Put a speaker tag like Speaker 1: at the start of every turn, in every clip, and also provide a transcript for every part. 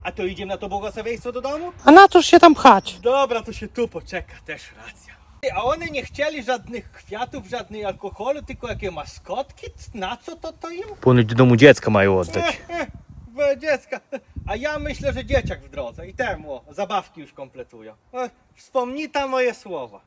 Speaker 1: A to idziemy na to błogosławieństwo do domu?
Speaker 2: A na cóż się tam pchać?
Speaker 1: Dobra, to się tu poczeka, też racja. A one nie chcieli żadnych kwiatów, żadnej alkoholu, tylko jakie maskotki? Na co to im?
Speaker 3: Ponoć do domu dziecka mają oddać.
Speaker 1: Dziecka. A ja myślę, że dzieciak w drodze i temu zabawki już kompletują. Wspomnij tam moje słowa.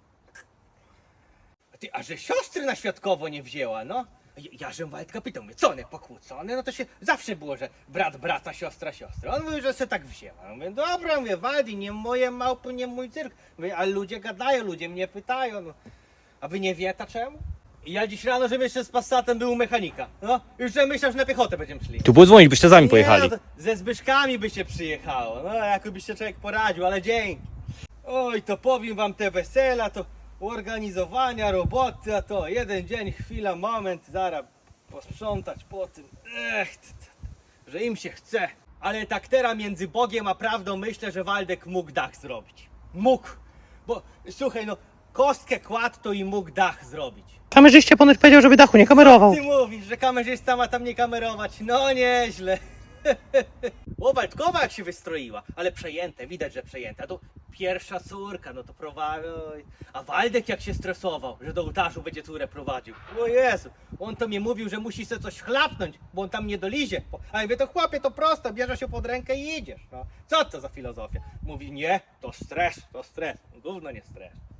Speaker 1: A że siostry na świadkowo nie wzięła, no? Ja żem Waldka pytał, mówię, co one pokłócone? No to się zawsze było, że brat brata, siostra siostry. On mówił, że se tak wzięła. Ja mówię, dobra, mówię, Waldi, nie moje małpy, nie mój cyrk. Mówię, ale ludzie gadają, ludzie mnie pytają, no. A wy nie wiecie czemu? I ja dziś rano, żebym jeszcze z Passatem był u mechanika. No, już że myślał, że na piechotę będziemy szli.
Speaker 3: Tu było dzwonić, byście sami pojechali.
Speaker 1: Nie, no to ze Zbyszkami by się przyjechało. No, jakoby się człowiek poradził, ale dzięki. Oj, to powiem wam te wesela, to organizowania, roboty, a to jeden dzień, chwila, moment, zaraz posprzątać po tym. Że im się chce. Ale tak teraz między Bogiem a prawdą myślę, że Waldek mógł dach zrobić. Mógł. Bo słuchaj, no kostkę kładł, to i mógł dach zrobić.
Speaker 2: Kamerzyście ponoć powiedział, żeby dachu nie kamerował.
Speaker 1: Ty mówisz, że kamerzysta ma tam nie kamerować. No nieźle. O, Waldkowa jak się wystroiła, ale przejęte, widać, że przejęte. A to pierwsza córka, no to prowadzi. A Waldek jak się stresował, że do ołtarzu będzie córę prowadził. O Jezu, on to mi mówił, że musi sobie coś chlapnąć, bo on tam nie dolizie. A ja mówię, to chłopie, to prosto, bierzesz się pod rękę i idziesz. No. Co to za filozofia? Mówi, nie, to stres, to stres. Gówno nie stres.